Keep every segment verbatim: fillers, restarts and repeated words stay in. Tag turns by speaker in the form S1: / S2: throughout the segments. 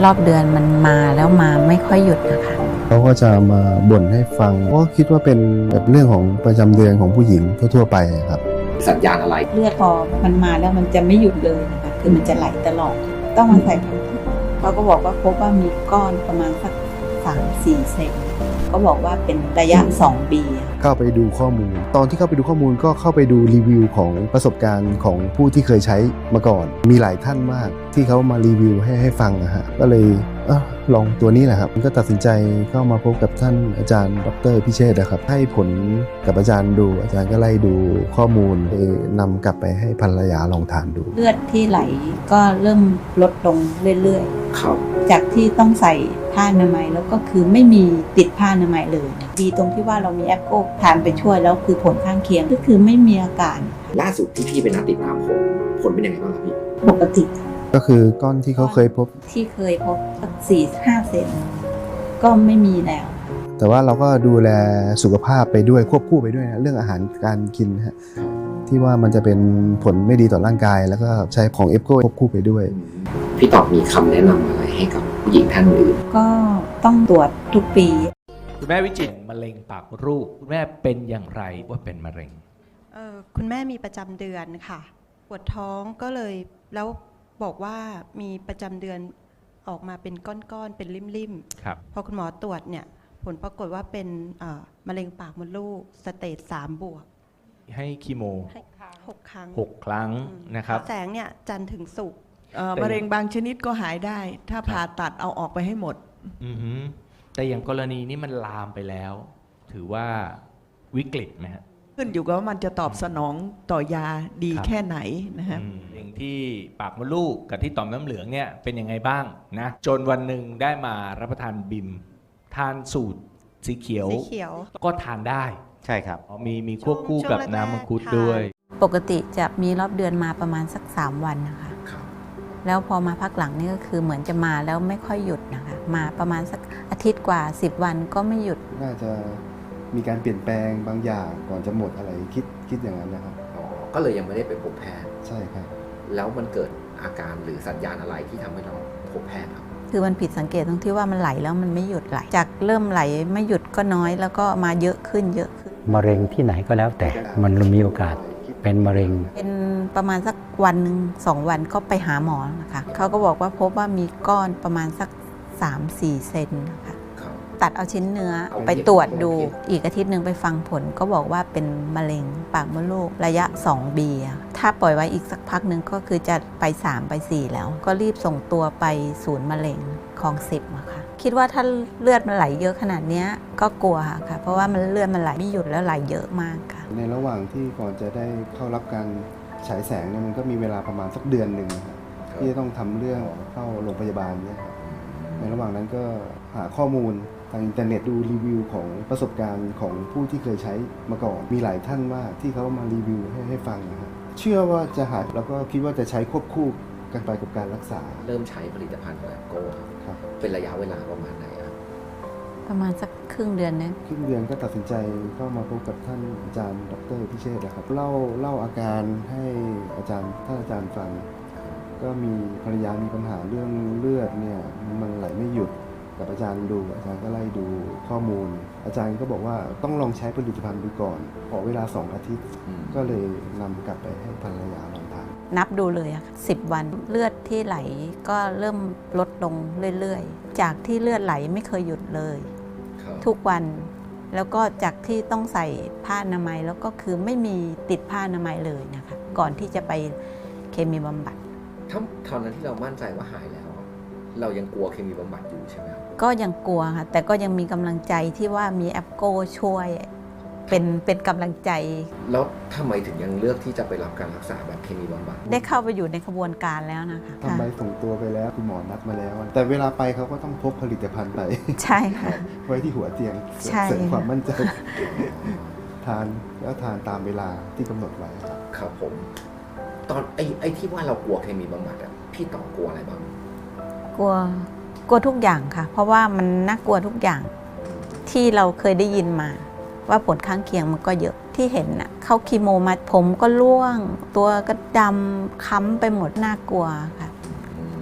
S1: รอบเดือนมันมาแล้วมาไม่ค่อยหยุดนะคะ
S2: เขาก็จะมาบ่นให้ฟังก็คิดว่าเป็นแบบเรื่องของประจำเดือนของผู้หญิงทั่วๆไปครับ
S3: สัญญาณอะไร
S1: เลือดพอมันมาแล้วมันจะไม่หยุดเลยนะคะคือมันจะไหลตลอดต้องมาใส่เขาก็บอกว่าพบว่ามีก้อนประมาณสักสามสี่เซนก็บอกว่าเป็นระยะสองปี
S2: เข้าไปดูข้อมูลตอนที่เข้าไปดูข้อมูลก็เข้าไปดูรีวิวของประสบการณ์ของผู้ที่เคยใช้มาก่อนมีหลายท่านมากที่เขามารีวิวให้ให้ฟังนะฮะก็เลยเออลองตัวนี้แหละครับก็ตัดสินใจเข้ามาพบกับท่านอาจารย์ดร.พิเชษฐ์นะครับให้ผลกับอาจารย์ดูอาจารย์ก็ไล่ดูข้อมูลนำกลับไปให้ภรรยาลองทานดู
S1: เลือดที่ไหลก็เริ่มลดลงเรื่อยๆ
S3: ครับ
S1: จากที่ต้องใส่ผ้าอนามัยแล้วก็คือไม่มีติดผ้าอนามัยเลยดีตรงที่ว่าเรามีแอปโก้ทานไปช่วยแล้วคือผลข้างเคียงก็คือไม่มีอาการ
S3: ล่าสุดที่พี่ไปนัดติดตามผลผลเป็นยังไงบ้างครับพี่
S1: ปกติ
S2: ก็คือก้อนที่เขาเคยพบ
S1: ที่เคยพบสักสี่ห้าเซนก็ไม่มีแล้ว
S2: แต่ว่าเราก็ดูแลสุขภาพไปด้วยควบคู่ไปด้วยนะเรื่องอาหารการกินฮะที่ว่ามันจะเป็นผลไม่ดีต่อร่างกายแล้วก็ใช้ของเอฟโก้ควบคู่ไปด้วย
S3: พี่ตอบมีคำแนะนำอะไรให้กับผู้หญิงท่านอื่น
S1: ก็ต้องตรวจทุกปี
S4: คุณแม่วิจิตรมะเร็งปากมดลูกคุณแม่เป็นอย่างไรว่าเป็นมะเร็ง
S5: เอ่อคุณแม่มีประจำเดือนค่ะปวดท้องก็เลยแล้วบอกว่ามีประจำเดือนออกมาเป็นก้อนๆเป็นริ่มๆพอคุณหมอตรวจเนี่ยผลปรากฏว่าเป็นมะเร็งปากมดลูกสเตจสามบวก
S4: ให้คีโม
S5: หกครั้ง
S4: หกครั้งนะครับ
S5: แสงเนี่ยจันทร์ถึงศุกร์
S6: มะเร็งบางชนิดก็หายได้ถ้าผ่าตัดเอาออกไปให้หมด
S4: แต่อย่างกรณีนี้มันลามไปแล้วถือว่าวิกฤตไหมฮะ
S6: ขึ้นอยู่กับว่ามันจะตอบสนองต่อยาดีแค่ไหนนะฮะ
S4: อย่างที่ปากมดลูกกับที่ต่อมน้ำเหลืองเนี่ยเป็นยังไงบ้างนะจนวันหนึ่งได้มารับประทานบิมทานสูตรสีเขียวก็ทานได้
S3: ใช่ครับ
S4: มีมีควบคู่กับน้ำมังคุดด้วย
S1: ปกติจะมีรอบเดือนมาประมาณสักสามวันนะคะแล้วพอมาพักหลังนี่ก็คือเหมือนจะมาแล้วไม่ค่อยหยุดนะคะมาประมาณสักอาทิตย์กว่าสิบวันก็ไม่หยุด
S2: น่าจะมีการเปลี่ยนแปลงบางอย่างก่อนจะหมดอะไรคิดคิดอย่างนั้นนะครับ
S3: อ๋อก็เลยยังไม่ได้ไปพบแพทย์
S2: ใช่ครับ
S3: แล้วมันเกิดอาการหรือสัญญาณอะไรที่ทำให้เราพบแพทย์ครับ
S1: คือมันผิดสังเกตตรงที่ว่ามันไหลแล้วมันไม่หยุดไหลจากเริ่มไหลไม่หยุดก็น้อยแล้วก็มาเยอะขึ้นเยอะขึ้น
S7: มะเร็งที่ไหนก็แล้วแต่มันมีโอกาสเป็นมะเร็ง
S1: เป็นประมาณสักวันหนึ่งสองวันก็ไปหาหมอนะคะเขาก็บอกว่าพบว่ามีก้อนประมาณสัก สามถึงสี่ เซนนะคะตัดเอาชิ้นเนื้อไปตรวจดูอีกอาทิตย์หนึ่งไปฟังผลก็บอกว่าเป็นมะเร็งปากมดลูกระยะสองปีถ้าปล่อยไว้อีกสักพักหนึ่งก็คือจะไปสามไปสี่แล้วก็รีบส่งตัวไปศูนย์มะเร็งคลองสิบอะค่ะคิดว่าถ้าเลือดมันไหลเยอะขนาดนี้ก็กลัวค่ะเพราะว่ามันเลือดมันไหลไม่หยุดแล้วไหลเยอะมากค่ะ
S2: ในระหว่างที่ก่อนจะได้เข้ารับการฉายแสงเนี่ยมันก็มีเวลาประมาณสักเดือนหนึ่งที่จะต้องทำเรื่องเข้าโรงพยาบาลเนี่ยครับในระหว่างนั้นก็หาข้อมูลทางอินเทอร์เน็ตดูรีวิวของประสบการณ์ของผู้ที่เคยใช้มาก่อนมีหลายท่านมากที่เขามารีวิวให้ให้ฟังนะครับเชื่อว่าจะหายแล้วก็คิดว่าจะใช้ควบคู่กันไปกับการรักษา
S3: เริ่มใช้ผลิตภัณฑ์แบบโก้ครับเป็นระยะเวลาประมาณไหนครับ
S1: ประมาณสักครึ่งเดือนนะ
S2: ครึ่งเดือนก็ตัดสินใจเข้ามาพบกับท่านอาจารย์ดร.พิเชษฐ์นะครับเล่าเล่าอาการให้อาจารย์ท่านอาจารย์ฟังก็มีภรรยามีปัญหาเรื่องเลือดเนี่ยมันไหลไม่หยุดกับอาจารย์ดูอาจารย์ก็ไล่ดูข้อมูลอาจารย์ก็บอกว่าต้องลองใช้ผลิตภัณฑ์ดูก่อนขอเวลาสองอาทิตย์ก็เลยนำกลับไปให้ภรรยาลองทาน
S1: นับดูเลยอะสิบวันเลือดที่ไหลก็เริ่มลดลงเรื่อยๆจากที่เลือดไหลไม่เคยหยุดเลยทุกวันแล้วก็จากที่ต้องใส่ผ้าอนามัยแล้วก็คือไม่มีติดผ้าอนามัยเลยนะคะก่อนที่จะไปเคมีบำบัด
S3: ถ้าตอนนั้นที่เรามั่นใจว่าหายแล้วเรายังกลัวเคมีบำบัดอยู่ใช่ไหม
S1: ก็ยังกลัวค่ะแต่ก็ยังมีกำลังใจที่ว่ามีแอปโก้ช่วยเป็นเป็นกำลังใจ
S3: แล้วทำไมถึงยังเลือกที่จะไปรับการรักษาแบบเคมีบำบัด
S1: ได้เข้าไปอยู่ในกระบวนการแล้วนะคะ
S2: ทำไมส่งตัวไปแล้วคุณหมอนัดมาแล้วแต่เวลาไปเขาก็ต้องพกผลิตภัณฑ์ไป
S1: ใช่ค่ะ
S2: ไว้ที่หัวเตียงเสริมความมั่นใจทานแล้วทานตามเวลาที่กำหนดไว้
S3: ครับผมตอนไอ้ไอ้ที่ว่าเรากลัวเคมีบำบัดอ่ะพี่ต่อกลัวอะไรบ้าง
S1: กลัวกลัวทุกอย่างค่ะเพราะว่ามันน่ากลัวทุกอย่างที่เราเคยได้ยินมาว่าผลข้างเคียงมันก็เยอะที่เห็นน่ะเข้าคีโมมาผมก็ร่วงตัวก็ดำค้ำไปหมดน่ากลัวค่ะ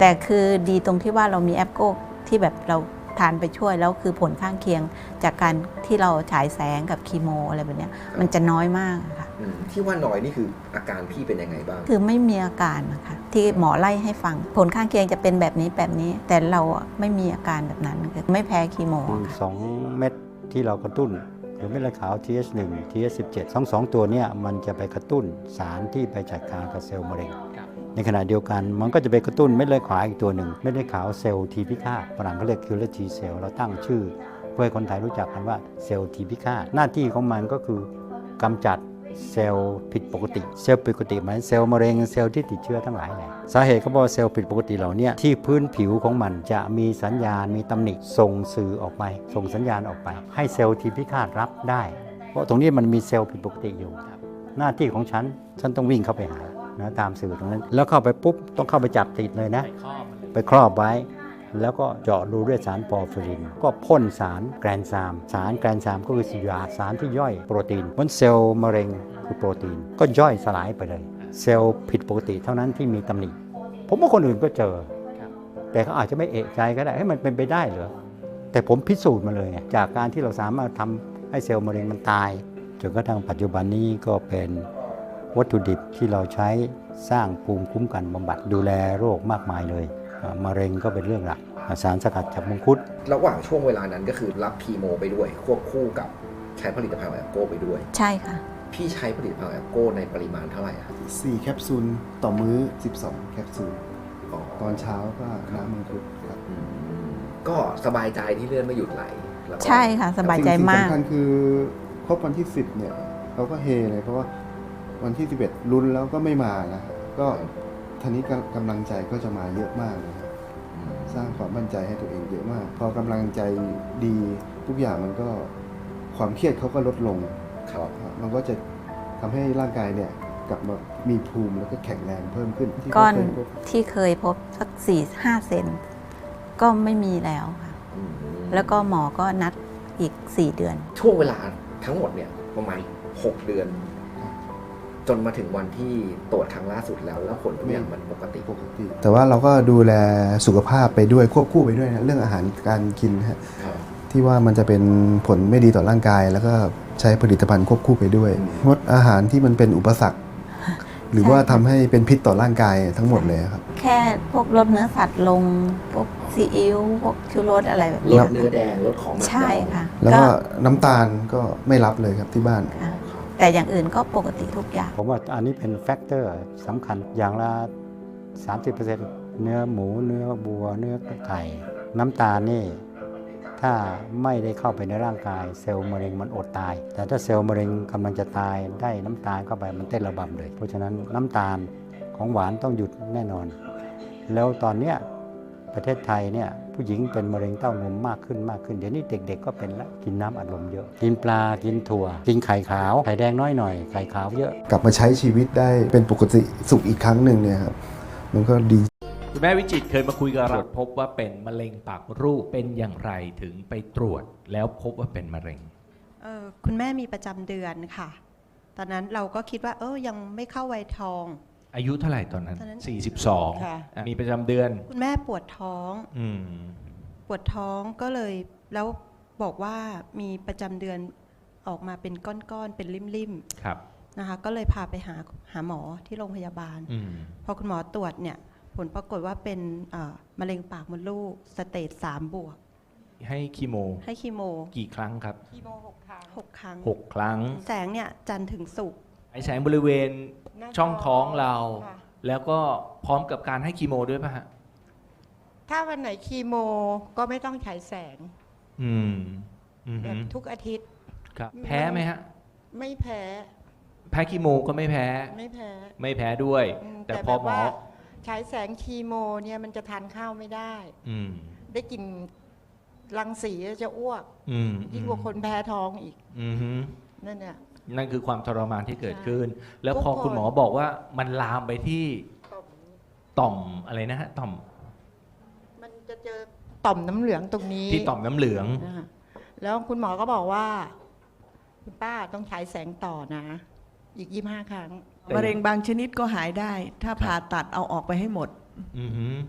S1: แต่คือดีตรงที่ว่าเรามีแอปโก้ที่แบบเราทานไปช่วยแล้วคือผลข้างเคียงจากการที่เราฉายแสงกับคีโมอะไรแบบนี้มันจะน้อยมากค่ะ
S3: อืมที่ว่าน้อยนี่คืออาการพี่เป็นยังไงบ้าง
S1: คือไม่มีอาการนะคะที่หมอไล่ให้ฟังผลข้างเคียงจะเป็นแบบนี้แบบนี้ แต่เราอะไม่มีอาการแบบนั้นคือไม่แพ้คีโม
S7: คือ
S1: ค่ะ
S7: สองเม็ดที่เรากระตุ้นหรือเม็ดเลือดขาว ที เอช หนึ่ง ที เอช สิบเจ็ด ทั้งสองตัวเนี่ยมันจะไปกระตุ้นสารที่ไปจัดการกับเซลล์มะเร็ง ในขณะเดียวกันมันก็จะไปกระตุ้นเม็ดเลือดขาวอีกตัวหนึ่งเม็ดเลือดขาวเซลล์ทีพิฆาตฝรั่งเขาเรียก killer T cell เราตั้งชื่อเพื่อให้คนไทยรู้จักกันว่าเซลล์ทีพิฆาตหน้าที่ของมันก็คือกำจัดเซลล์ผิดปกติเซลล์ผิดปกติหมายเซลล์มะเร็งเซลล์ที่ติดเชื้อทั้งหลายแหละสาเหตุก็เพราะเซลล์ผิดปกติเหล่านี้ที่พื้นผิวของมันจะมีสัญญาณมีตำหนิส่งสื่อออกไปส่งสัญญาณออกไปให้เซลล์ทีพิฆาตรับได้เพราะตรงนี้มันมีเซลล์ผิดปกติอยู่หน้าที่ของฉันฉันต้องวิ่งเข้าไปหานะตามสื่อตรงนั้นแล้วเข้าไปปุ๊บต้องเข้าไปจับติดเลยนะไปครอบไว้แล้วก็เจาะรูด้วยสารปอร์ฟิรินก็พ่นสารแกรนซามสารแกรนซามก็คือสารสารที่ย่อยโปรตีนบนเซลล์มะเร็งคือโปรตีนก็ย่อยสลายไปเลยเซลล์ผิดปกติเท่านั้นที่มีตำหนิผมว่าคนอื่นก็เจอแต่เขาอาจจะไม่เอะใจก็ได้ให้มันเป็นไปได้เหรอแต่ผมพิสูจน์มาเลยจากการที่เราสามารถทำให้เซลล์มะเร็งมันตายจนกระทั่งปัจจุบันนี้ก็เป็นวัตถุดิบที่เราใช้สร้างภูมิคุ้มกันบำบัดดูแลโรคมากมายเลยมะเร็งก็เป็นเรื่องหลักสารสกัดจากมังคุด
S3: ระหว่างช่วงเวลานั้นก็คือรับคีโมไปด้วยควบคู่กับใช้ผลิตภัณฑ์แอปโก้ไปด้วย
S1: ใช่ค่ะ
S3: พี่ใช้ผลิตภัณฑ์แอปโก้ในปริมาณเท่าไหร่ครับ
S2: สี่แคปซูลต่อมื้อสิบสองแคปซูล
S3: อ๋อ
S2: ตอนเช้าก็น้ำมังคุดครับ
S3: อืมก็สบายใจที่เลือดไม่หยุดไหลแล้วก็
S1: ใช่ค่ะสบายใจมาก
S2: สิ่งสำคัญคือครบวันที่สิบเนี่ยเขาก็เฮเลยเพราะว่าวันที่สิบเอ็ดลุ้นแล้วก็ไม่มานะก็ทีนี้กำลังใจก็จะมาเยอะมากเลยครับสร้างความมั่นใจให้ตัวเองเยอะมาก พอกำลังใจดีทุกอย่างมันก็ความเครียดเขาก็ลดลง
S3: ครับ
S2: มันก็จะทำให้ร่างกายเนี่ยกลับมามีภูมิแล้วก็แข็งแรงเพิ่มขึ้นที่
S1: ก้อน
S2: เคยพบ
S1: ที่เคยพบสักสี่ห้าเซนก็ไม่มีแล้วค่ะ
S3: อืม
S1: แล้วก็หมอก็นัดอีกสี่เดือน
S3: ช่วงเวลาทั้งหมดเนี่ยประมาณหกเดือน จนมาถึงวันที่ตรวจครั้งล่าสุดแล้วแล้วผลทุกอย่างมันปกติ
S2: ปกติแต่ว่าเราก็ดูแลสุขภาพไปด้วยควบคู่ไปด้วยนะเรื่องอาหารการกินฮะ
S3: ครับ
S2: ที่ว่ามันจะเป็นผลไม่ดีต่อร่างกาย แล้วก็ใช้ผลิตภัณฑ์ควบคู่ไปด้วยงดอาหารที่มันเป็นอุปสรรค หรือว่าทำให้เป็นพิษต่อร่างกายทั้งหมดเลยครับ
S1: แค่พวกลดเนื้อสัตว์ลง พวกซีอิ๊วพวกชูรสอะไรแบบ
S3: ล
S1: นี้
S3: ดเนื้อแดงลดของหมัก
S1: ใช่ค่ะ
S2: แล้วก็น้ำตาลก็ไม่รับเลยครับที่บ้าน
S1: ค่ะ แต่อย่างอื่นก็ปกติทุกอย่าง
S7: ผมว่าอันนี้เป็นแฟกเตอร์สำคัญอย่างละ สามสิบเปอร์เซ็นต์ เนื้อหมูเนื้อบัวเนื้อไก่น้ำตาลนี่ถ้าไม่ได้เข้าไปในร่างกายเซลล์มะเร็งมันอดตาย แต่ถ้าเซลล์มะเร็งกำลังจะตายได้น้ำตาลเข้าไปมันเต้นระบำเลย เพราะฉะนั้นน้ำตาลของหวานต้องหยุดแน่นอน แล้วตอนเนี้ยประเทศไทยเนี่ยผู้หญิงเป็นมะเร็งเต้านมมากขึ้นมากขึ้นเดี๋ยวนี้เด็กๆก็เป็นละกินน้ำอัดลมเยอะกินปลากินถั่วกินไข่ขาวไข่แดงน้อยหน่อยไข่ขาวเยอะ
S2: กลับมาใช้ชีวิตได้เป็นปกติสุขอีกครั้งหนึ่งเนี่ยครับมันก็ดี
S4: คุณแม่วิจิตรเคยมาคุยกับเราพบว่าเป็นมะเร็งปากมดลูกเป็นอย่างไรถึงไปตรวจแล้วพบว่าเป็นมะเร็ง
S5: เอ่อคุณแม่มีประจำเดือนค่ะ ตอนนั้นเราก็คิดว่าเออยังไม่เข้าวัยทอง
S4: อายุเท่าไหร่ตอนนั้น
S5: ตอนนั้น
S4: สี่สิบสอง
S5: ค่ะ
S4: อ่ะมีประจำเดือน
S5: คุณแม่ปวดท้อง
S4: อืม
S5: ปวดท้องก็เลยแล้วบอกว่ามีประจำเดือนออกมาเป็นก้อนๆเป็นริ่ม
S4: ครับ
S5: ๆนะคะก็เลยพาไปหาหาหมอที่โรงพยาบาล
S4: อืม
S5: พอคุณหมอตรวจเนี่ยผลปรากฏว่าเป็นเอ่อมะเร็งปากมดลูกสเตจสามบวก
S4: ให้คีโม
S5: ให้คีโม
S4: กี่ครั้งครับ
S5: คีโมหกครั้งหกครั้ง
S4: หกครั้ง
S5: แสงเนี่ยจันทร์ถึงศุกร์
S4: ไอแสงบริเวณ
S8: หน้า
S4: ช่องท้องเรา
S8: ค่ะ
S4: แล้วก็พร้อมกับการให้คีโมด้วยป่ะฮะ
S8: ถ้าวันไหนคีโมก็ไม่ต้องฉายแสง
S4: อืมอืม
S8: แบบทุกอาทิตย์
S4: ครับ แพ้ไหมฮะ
S8: ไม่แพ้
S4: แพ้คีโมก็ไม่แพ้
S8: ไม่แพ้
S4: ไม่แพ้ด้วย
S8: อืม
S4: แต่
S8: แต่
S4: พอ
S8: แบบ
S4: หมอ
S8: ว่าฉายแสงคีโมเนี่ยมันจะทานข้าวไม่ได้
S4: อืม
S8: ได้กลิ่นรังสีจะอ้วก
S4: อืม
S8: ยิ่งกว่าคนแพ้ท้องอีก
S4: อืมฮึ
S8: นั่นเนี่ย
S4: นั่นคือความทรมานที่เกิดขึ้น แล้ว
S8: ทุก
S4: พอ
S8: คน
S4: คุณหมอบอกว่ามันลามไปที่ต่อมอะไรนะฮะต่อม
S8: มันจะเจอต่อมน้ำเหลืองตรงนี้
S4: ที่ต่อมน้ำเหลือง
S8: นะคะแล้วคุณหมอก็บอกว่า คุณป้าต้องฉายแสงต่อนะ อีกยี่ห้าครั้ง
S6: มะเร็งบางชนิดก็หายได้ ถ้าผ่าตัดเอาออกไปให้หมด
S4: อือฮึ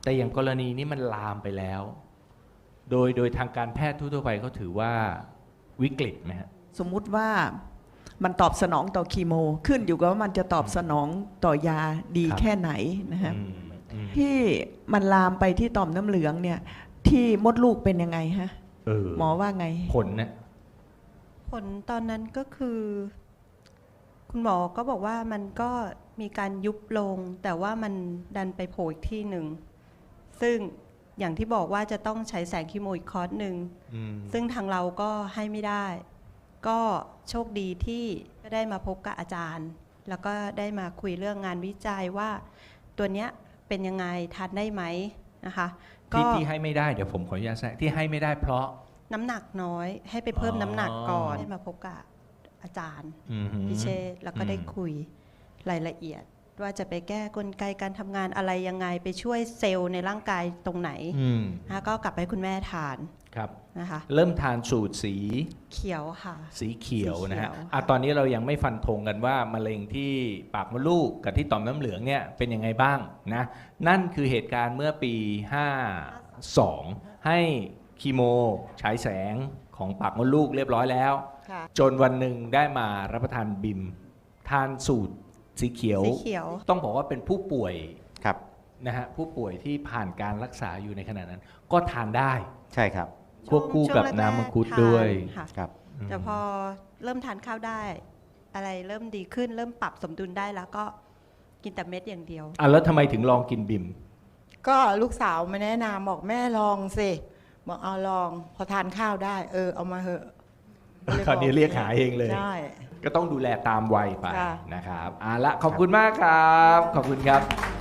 S4: แต่อย่างกรณีนี้มันลามไปแล้ว โดยโดยทางการแพทย์ทั่วๆไปเขาถือว่าวิกฤตไหมฮะ
S6: สมมุติว่ามันตอบสนองต่อคีโม ขึ้นอยู่กับว่ามันจะตอบสนองต่อยาดี
S4: ครับ
S6: แค่ไหนนะฮะ
S4: อืมอืม
S6: ที่มันลามไปที่ต่อมน้ำเหลืองเนี่ยที่มดลูกเป็นยังไงฮะ
S4: เออ
S6: หมอว่าไง
S4: ผลนะ
S5: ผลตอนนั้นก็คือ คุณหมอก็บอกว่ามันก็มีการยุบลง แต่ว่ามันดันไปโผล่อีกที่หนึ่ง ซึ่งอย่างที่บอกว่าจะต้องใช้แสงคีโมอีกคอร์สหนึ่ง
S4: อืม
S5: ซึ่งทางเราก็ให้ไม่ได้ ก็โชคดีที่ก็ได้มาพบกับอาจารย์ แล้วก็ได้มาคุยเรื่องงานวิจัยว่า ตัวเนี้ยเป็นยังไงทานได้ไหมนะคะก็
S4: ที่ที่ให้ไม่ได้เดี๋ยวผมขออนุญาตแทรกที่ให้ไม่ได้เพราะ
S5: น้ำหนักน้อยให้ไปเพิ่ม
S4: อ๋อ
S5: น้ำหนักก่อนได้มาพบกับอาจารย์
S4: อืมฮึ
S5: พิเชษฐ์แล้วก็ได้
S4: อืม
S5: คุยรายละเอียด ว่าจะไปแก้กลไกการทำงานอะไรยังไงไปช่วยเซลล์ในร่างกายตรงไหน
S4: อืม
S5: นะคะก็กลับไปให้คุณแม่ทาน
S4: ครับ
S5: นะคะ
S4: เริ่มทานสูตรสี
S5: เขียวค่ะ
S4: สีเขียวนะฮะ
S5: สีเขียว
S4: อ่ะตอนนี้เรายังไม่ฟันธงกันว่ามะเร็งที่ปากมดลูกกับที่ต่อมน้ำเหลืองเนี่ยเป็นยังไงบ้างนะ นั่นคือเหตุการณ์เมื่อปี ห้าสอง ให้คีโมฉายแสงของปากมดลูกเรียบร้อยแล้ว
S5: ค่ะ
S4: จนวันหนึ่งได้มารับประทานบิม ทานสูตรสีเขียว
S5: สีเขียว
S4: ต้องบอกว่าเป็นผู้ป่วย
S7: ครับ
S4: นะฮะผู้ป่วยที่ผ่านการรักษาอยู่ในขณะนั้น ก็ทานได้
S7: ใช่ครับ
S4: ควบคู่กับ
S5: ช่วงแรกๆ
S4: น้ำมังคุดด้วย
S5: ทานค่ะ
S7: ครับ
S5: แต่พอเริ่มทานข้าวได้ อะไรเริ่มดีขึ้น เริ่มปรับสมดุลได้แล้วก็กินแต่เม็ดอย่างเดียว
S4: อ่ะแล้วทำไมถึงลองกินบิม
S8: ก็ลูกสาวมาแนะนำบอกแม่ลองสิบอกเอาลอง พอทานข้าวได้ เออเอามาเหอะล
S4: คราวนี้เรียกหาเองเลย
S8: ใช่
S4: ก็ต้องดูแลตามวัยไป
S8: ค่ะ
S4: นะครับอ่ะละขอบคุณมากครับ ขอบคุณครับ